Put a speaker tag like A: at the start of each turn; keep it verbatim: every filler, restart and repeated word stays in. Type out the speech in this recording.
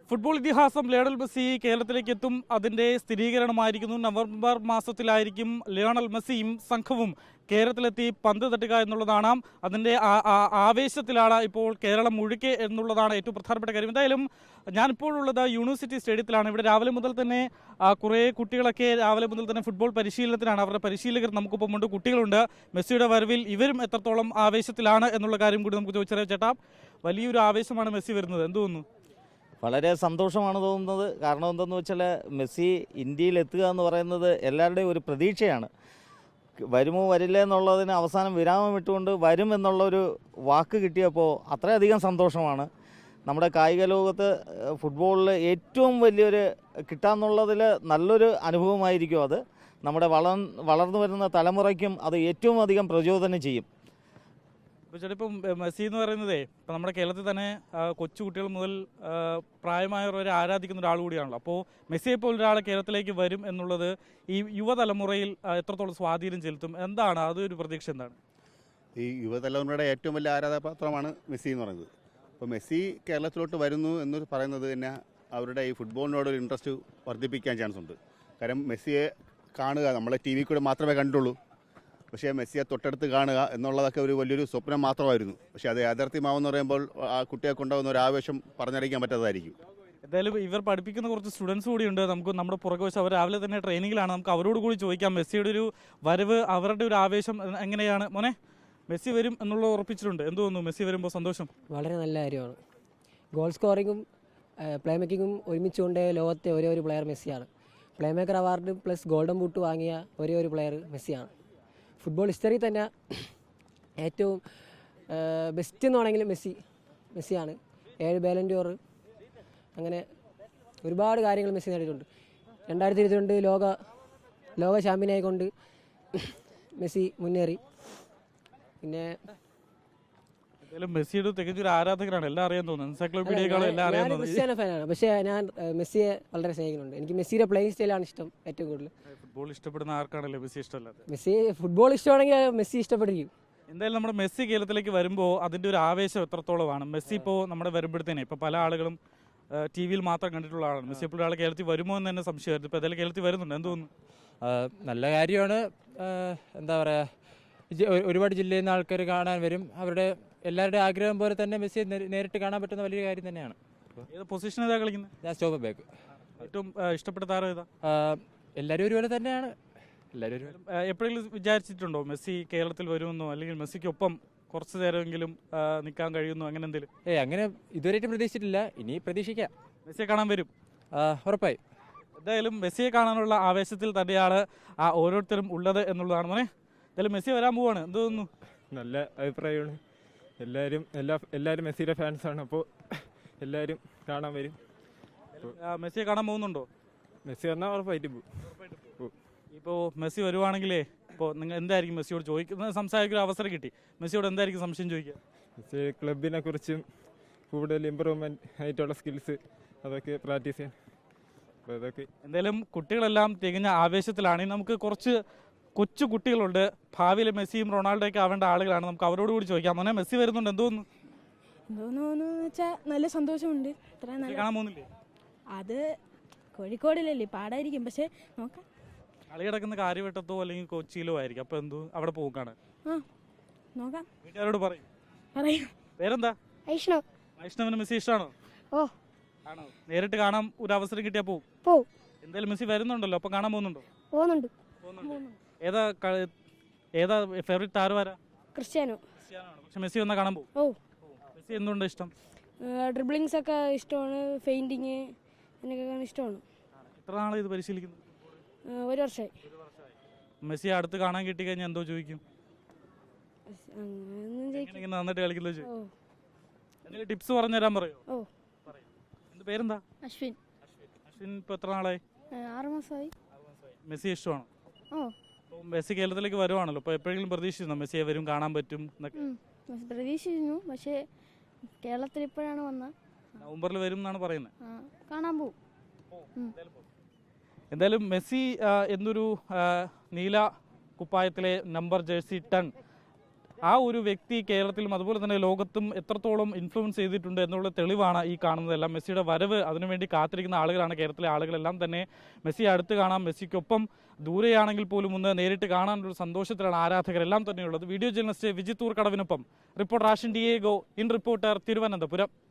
A: Football ഇതിഹാസം Lionel Messi കേരളത്തിലേക്ക് എത്തും. അതിന്റെ സ്ഥിരീകരണമായിരിക്കുന്നു. നവംബർ മാസത്തിലായിരിക്കും ലയണൽ മെസ്സിയും സംഘവും കേരളത്തിലെത്തി പന്ത് തട്ടുക എന്നുള്ളതാണ്. അതിൻ്റെ ആവേശത്തിലാണ് ഇപ്പോൾ കേരളം മുഴുക്കെ എന്നുള്ളതാണ് ഏറ്റവും പ്രധാനപ്പെട്ട കാര്യം. എന്തായാലും ഞാനിപ്പോഴുള്ളത് യൂണിവേഴ്സിറ്റി സ്റ്റേഡിയത്തിലാണ്. ഇവിടെ രാവിലെ മുതൽ തന്നെ കുറേ കുട്ടികളൊക്കെ രാവിലെ മുതൽ തന്നെ ഫുട്ബോൾ പരിശീലനത്തിനാണ്. അവരുടെ പരിശീലകർ നമുക്കൊപ്പമുണ്ട്, കുട്ടികളുണ്ട്. മെസ്സിയുടെ വരവിൽ ഇവരും എത്രത്തോളം ആവേശത്തിലാണ് എന്നുള്ള കാര്യം കൂടി നമുക്ക് ചോദിച്ചറിയാം. ചേട്ടാ, വലിയൊരു ആവേശമാണ് മെസ്സി വരുന്നത്, എന്ത് തോന്നുന്നു?
B: വളരെ സന്തോഷമാണ് തോന്നുന്നത്. കാരണം എന്തെന്ന് വെച്ചാൽ മെസ്സി ഇന്ത്യയിൽ എത്തുക എന്ന് പറയുന്നത് എല്ലാവരുടെയും ഒരു പ്രതീക്ഷയാണ്. വരുമോ വരില്ല എന്നുള്ളതിന് അവസാനം വിരാമം ഇട്ടുകൊണ്ട് വരും എന്നുള്ളൊരു വാക്ക് കിട്ടിയപ്പോൾ അത്രയധികം സന്തോഷമാണ്. നമ്മുടെ കായിക ലോകത്ത് ഫുട്ബോളിൽ ഏറ്റവും വലിയൊരു കിട്ടാന്നുള്ളതിൽ നല്ലൊരു അനുഭവമായിരിക്കും അത്. നമ്മുടെ വളർ വളർന്നു വരുന്ന തലമുറയ്ക്കും അത് ഏറ്റവും അധികം പ്രചോദനം ചെയ്യും.
A: ഇപ്പോൾ ചേട്ടാ, ഇപ്പം മെസ്സി എന്ന് പറയുന്നതേ ഇപ്പം നമ്മുടെ കേരളത്തിൽ തന്നെ കൊച്ചു കുട്ടികൾ മുതൽ പ്രായമായവർ വരെ ആരാധിക്കുന്ന ഒരാൾ കൂടിയാണല്ലോ. അപ്പോൾ മെസ്സിയെ പോലെ ഒരാൾ കേരളത്തിലേക്ക് വരും എന്നുള്ളത് ഈ യുവതലമുറയിൽ എത്രത്തോളം സ്വാധീനം ചെലുത്തും? എന്താണ് അതൊരു പ്രതീക്ഷ? എന്താണ്
C: ഈ യുവതലമുറയുടെ ഏറ്റവും വലിയ ആരാധനാപാത്രമാണ് മെസ്സി എന്ന് പറയുന്നത്. അപ്പോൾ മെസ്സി കേരളത്തിലോട്ട് വരുന്നു എന്ന് പറയുന്നത് തന്നെ അവരുടെ ഈ ഫുട്ബോളിനോടൊരു ഇൻട്രസ്റ്റ് വർദ്ധിപ്പിക്കാൻ ചാൻസ് ഉണ്ട്. കാരണം മെസ്സിയെ കാണുക നമ്മളെ ടി വി കൂടെ മാത്രമേ കണ്ടുള്ളൂ. പക്ഷേ മെസ്സിയെ തൊട്ടടുത്ത് കാണുക എന്നുള്ളതൊക്കെ ഒരു വലിയൊരു സ്വപ്നം മാത്രമായിരുന്നു. പക്ഷേ അത് യാഥാർത്ഥ്യമാവെന്ന് പറയുമ്പോൾ ആ കുട്ടിയെ കൊണ്ടുപോകുന്ന ഒരു ആവേശം പറഞ്ഞറിയിക്കാൻ പറ്റാത്തതായിരിക്കും.
A: എന്തായാലും ഇവർ പഠിപ്പിക്കുന്ന കുറച്ച് സ്റ്റുഡൻസ് കൂടിയുണ്ട്. നമുക്ക് നമ്മുടെ പുറകെ വശം അവർ രാവിലെ തന്നെ ട്രെയിനിങ്ങിലാണ്. നമുക്ക് അവരോട് കൂടി ചോദിക്കാം മെസ്സിയുടെ ഒരു വരവ്, അവരുടെ ഒരു ആവേശം എങ്ങനെയാണ്. മോനെ, മെസ്സി വരും എന്നുള്ളത് ഉറപ്പിച്ചിട്ടുണ്ട്, എന്ത് തോന്നുന്നു? മെസ്സി വരുമ്പോൾ സന്തോഷം?
D: വളരെ നല്ല കാര്യമാണ്. ഗോൾ സ്കോറിങ്ങും പ്ലേ മേക്കിങ്ങും ഒരുമിച്ച് കൊണ്ട് ലോകത്തെ ഒരേ ഒരു പ്ലെയർ മെസ്സിയാണ്. Play maker award plus golden boot വാങ്ങിയ ഒരേ ഒരു പ്ലെയർ മെസ്സിയാണ്. ഫുട്ബോൾ ഹിസ്റ്ററി തന്നെ ഏറ്റവും ബെസ്റ്റ് എന്ന് വേണമെങ്കിൽ മെസ്സി മെസ്സിയാണ്. ഏഴ് ബാലൻ ഡോർ, അങ്ങനെ ഒരുപാട് കാര്യങ്ങൾ മെസ്സി നേടിയിട്ടുണ്ട്. രണ്ടായിരത്തി ഇരുപത്തിരണ്ട് ലോക ലോക ചാമ്പ്യനായിക്കൊണ്ട് മെസ്സി മുന്നേറി. പിന്നെ
A: മെസ്സിയുടെ തികച്ചൊരു ആരാധകരാണ്, എല്ലാം അറിയാൻ തോന്നുന്നു. എൻസൈക്ലോപീഡിയകളും എല്ലാം അറിയാൻ തോന്നുന്നു.
D: ക്രിസ്ത്യാനോ ഫാനാണ്, പക്ഷേ ഞാൻ മെസ്സിയെ വളരെ സ്നേഹിക്കുന്നുണ്ട്. എനിക്ക് മെസ്സിയുടെ പ്ലേയിങ് സ്റ്റൈലാണ് ഇഷ്ടം ഏറ്റവും കൂടുതൽ.
A: ഫുട്ബോൾ ഇഷ്ടപ്പെടുന്ന ആർക്കാണല്ലോ മെസ്സി ഇഷ്ടമല്ലാതെ?
D: മെസ്സി ഫുട്ബോൾ ഇഷ്ടമാണെങ്കിൽ മെസ്സി ഇഷ്ടപ്പെട്ടിരിക്കും.
A: എന്തായാലും നമ്മുടെ മെസ്സി കേരളത്തിലേക്ക് വരുമ്പോൾ അതിൻ്റെ ഒരു ആവേശം എത്രത്തോളമാണ്? മെസ്സി ഇപ്പോൾ നമ്മുടെ വരുമ്പോഴത്തേനെ ഇപ്പോൾ പല ആളുകളും ടി വിയിൽ മാത്രം കണ്ടിട്ടുള്ള ആളാണ്. മെസ്സി ഇപ്പോൾ ഒരാൾ കേരളത്തിൽ വരുമോ എന്ന് തന്നെ സംശയമായിരുന്നു. ഇപ്പോൾ ഏതായാലും കേരളത്തിൽ വരുന്നുണ്ട്, എന്ത് തോന്നുന്നു?
E: നല്ല കാര്യമാണ്. എന്താ പറയുക, ഒരുപാട് ജില്ലയിൽ നിന്ന് ആൾക്കാർ കാണാൻ വരും. അവരുടെ എല്ലാവരുടെ ആഗ്രഹം പോലെ തന്നെ മെസ്സിയെ നേരിട്ട് കാണാൻ പറ്റുന്ന വലിയ കാര്യം തന്നെയാണ്.
A: ഏത് പൊസിഷൻ ഏതാ കളിക്കുന്നത്?
E: ഞാൻ സ്റ്റോപ്പ് ബാക്ക്.
A: ഏറ്റവും ഇഷ്ടപ്പെട്ട താരം ഏതാ?
E: എല്ലാവരും ഒരുപോലെ തന്നെയാണ്. എല്ലാവരും ഒരുപോലെ.
A: എപ്പോഴെങ്കിലും വിചാരിച്ചിട്ടുണ്ടോ മെസ്സി കേരളത്തിൽ വരുമെന്നോ, അല്ലെങ്കിൽ മെസ്സിക്കൊപ്പം കുറച്ച് നേരമെങ്കിലും നിൽക്കാൻ കഴിയുന്നു, അങ്ങനെ എന്തെങ്കിലും?
E: ഏയ് അങ്ങനെ ഇതുവരെയായിട്ടും പ്രതീക്ഷിച്ചിട്ടില്ല. ഇനി പ്രതീക്ഷിക്കാം.
A: മെസ്സിയെ കാണാൻ വരും
E: ഉറപ്പായി.
A: എന്തായാലും മെസ്സിയെ കാണാനുള്ള ആവേശത്തിൽ തന്നെയാണ് ആ ഓരോരുത്തരും ഉള്ളത് എന്നുള്ളതാണ്. മോനെ, എന്തായാലും മെസ്സി വരാൻ പോവാണ്, എന്ത് തോന്നുന്നു?
F: നല്ല അഭിപ്രായമാണ്. എല്ലാവരും എല്ലാ എല്ലാവരും മെസ്സിയുടെ ഫാൻസാണ്. അപ്പോൾ എല്ലാവരും കാണാൻ വരും.
A: മെസ്സിയെ കാണാൻ പോകുന്നുണ്ടോ?
F: മെസ്സി വന്നാൽ ഉറപ്പായിട്ട് പോകും.
A: ഇപ്പോൾ മെസ്സി വരുവാണെങ്കിലേ ഇപ്പോൾ നിങ്ങൾ എന്തായിരിക്കും മെസ്സിയോട് ചോദിക്കുന്നത്? സംസാരിക്കുന്ന അവസരം കിട്ടി, മെസ്സിയോട് എന്തായിരിക്കും സംശയം ചോദിക്കുക?
F: മെസ്സി ക്ലബിനെ കുറിച്ചും കൂടുതൽ ഇമ്പ്രൂവ്മെൻറ്റ് ആയിട്ടുള്ള സ്കിൽസ് അതൊക്കെ പ്രാക്ടീസ് ചെയ്യാൻ. അപ്പോൾ അതൊക്കെ
A: എന്തായാലും കുട്ടികളെല്ലാം തികഞ്ഞ ആവേശത്തിലാണ്. നമുക്ക് കുറച്ച് കൊച്ചു കുട്ടികളുണ്ട്, ഭാവിയിലെ മെസ്സിയും റൊണാൾഡോയൊക്കെ ആവേണ്ട ആളുകളാണ്. നമുക്ക് അവരോട് കൂടി ചോദിക്കാം. മോനെ, മെസ്സി വരുന്നുണ്ട്, എന്തോന്നു
G: എന്തോന്നു വെച്ചാൽ നല്ല സന്തോഷമുണ്ട്.
A: കാണാൻ പോകുന്നില്ലേ?
G: അത് കോഴിക്കോടിലല്ലേ, പാടായിരിക്കും, പക്ഷെ നോക്കാം.
A: കളി കിടക്കുന്ന കാര്യവട്ടത്തോ അല്ലെങ്കിൽ കൊച്ചിയിലോ ആയിരിക്കും. അപ്പൊ എന്തോ അവിടെ പോകും കാണാൻ.
G: ആ നോക്കാം.
A: വീട്ടുകാരോട് പറയും.
G: പറയും.
A: പേരെന്താ?
G: വൈഷ്ണവ്.
A: വൈഷ്ണവിന് മെസ്സി ഇഷ്ടമാണോ?
G: ഓ
A: ആണോ? നേരിട്ട് കാണാൻ ഒരു അവസരം കിട്ടിയാ പോവും?
G: പോവും.
A: എന്തായാലും മെസ്സി വരുന്നുണ്ടല്ലോ, അപ്പൊ കാണാൻ പോകുന്നുണ്ടോ?
G: പോകുന്നുണ്ട്.
A: ഏതാ ഏതാ ഫേവറേറ്റ് താരം ആരാ?
G: ക്രിസ്ത്യാനോ.
A: ക്രിസ്ത്യാനോ ആണ്. പക്ഷെ മെസ്സി വന്നാൽ കാണാൻ പോകും.
G: ഓ
A: മെസ്സി എന്തുകൊണ്ട് ഇഷ്ടം?
G: ഡ്രിബ്ലിങ്സ് ഒക്കെ ഇഷ്ടമാണ്, ഫെയിൻറ്റിങ് എന്നൊക്കെ ഇഷ്ടമാണ്.
A: എത്ര നാളെ ഇത് പരിശീലിക്കുന്നു?
G: ഒരു വർഷമായി.
A: മെസ്സി അടുത്ത് കാണാൻ കിട്ടി കഴിഞ്ഞാൽ എന്തോ ചോദിക്കും? നന്നായിട്ട് കളിക്കുന്നത് ചോദിക്കും. എന്തെങ്കിലും ടിപ്സ് പറഞ്ഞു തരാൻ പറയോ?
G: ഓ
A: പറയും. എന്ത് പേരെന്താ?
G: അശ്വിൻ.
A: അശ്വിൻ ഇപ്പൊ എത്ര നാളായി?
G: ആറ് മാസമായി.
A: മെസ്സി ഇഷ്ടമാണോ?
G: ഓ
A: മെസ്സി കേരളത്തിലേക്ക് വരുവാണല്ലോ, അപ്പോൾ എപ്പോഴെങ്കിലും പ്രതീക്ഷിച്ചിരുന്നോ മെസ്സിയെ വരും കാണാൻ പറ്റും എന്നൊക്കെ?
G: പ്രതീക്ഷിച്ചിരുന്നു, പക്ഷേ കേരളത്തിൽ ഇപ്പോഴാണ് വന്നത്.
A: നവംബറിൽ വരും എന്നാണ് പറയുന്നത്.
G: കാണാൻ പോകും.
A: എന്തായാലും മെസ്സി എന്നൊരു നീല കുപ്പായത്തിലെ നമ്പർ ജേഴ്സി ടൺ ആ ഒരു വ്യക്തി കേരളത്തിലും അതുപോലെ തന്നെ ലോകത്തും എത്രത്തോളം ഇൻഫ്ലുവൻസ് ചെയ്തിട്ടുണ്ട് എന്നുള്ള തെളിവാണ് ഈ കാണുന്നതെല്ലാം. മെസ്സിയുടെ വരവ് അതിനുവേണ്ടി കാത്തിരിക്കുന്ന ആളുകളാണ് കേരളത്തിലെ ആളുകളെല്ലാം തന്നെ. മെസ്സിയെ അടുത്ത് കാണാം, മെസ്സിക്കൊപ്പം ദൂരെയാണെങ്കിൽ പോലും ഒന്ന് നേരിട്ട് കാണാനൊരു സന്തോഷത്തിലാണ് ആരാധകരെല്ലാം തന്നെയുള്ളത്. വീഡിയോ ജേർണലിസ്റ്റ് വിജിത്തൂർ കടവിനൊപ്പം reporter Ashin Diego, in reporter, Thiruvananthapuram.